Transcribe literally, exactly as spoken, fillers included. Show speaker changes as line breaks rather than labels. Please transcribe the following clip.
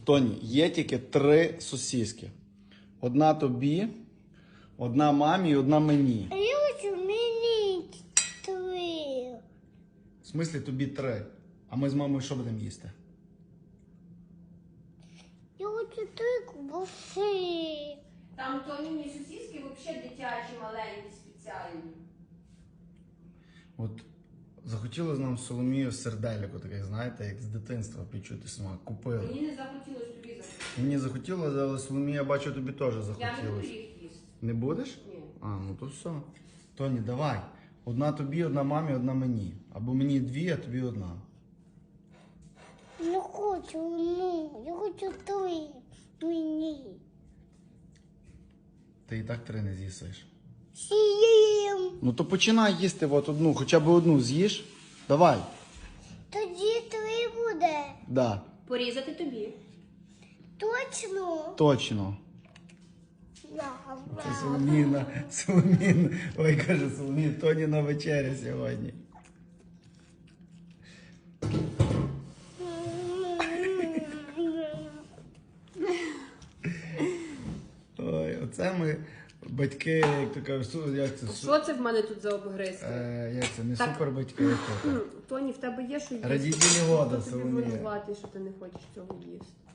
Тоні, є тільки три сосиски. Одна тобі, одна мамі і одна мені.
А я хочу мені три.
В смислі тобі три. А ми з мамою що будемо їсти?
Я хочу три ковбаси.
Там тоніні сосиски взагалі дитячі, маленькі, спеціальні.
От захотілося нам з Соломією сердельку таке, знаєте, як з дитинства відчути смак. Купили.
Мені не захотілося, тобі захотілося.
Мені захотілося, але Соломія, бачу, тобі теж
Я не буду
захотілося.
їх їсти.
Не будеш?
Ні.
А, ну то все. Тоні, давай. Одна тобі, одна мамі, одна мені. Або мені дві, а тобі одна.
Не хочу одну. Я хочу три мені.
Ти і так три не з'їсиш.
Сім.
Ну то починай їсти от одну, хоча б одну з'їш. Давай.
Тоді три буде.
Да,
Порізати тобі.
Точно?
точно.
Да,
Це Соломіна, Соломіна. Ой, каже Соломіна, Тоні на вечеря сьогодні. Ой, оце ми батьки, як то кажуть, су- як це? су-
Що це в мене тут за обгризки?
Е, як це, не
Так.
супер батьки, як то.
Тоні, в тебе є що їсти?
Радітельні вода,
Хто тобі
Соломія.
винуватий, що ти не хочеш цього їсти?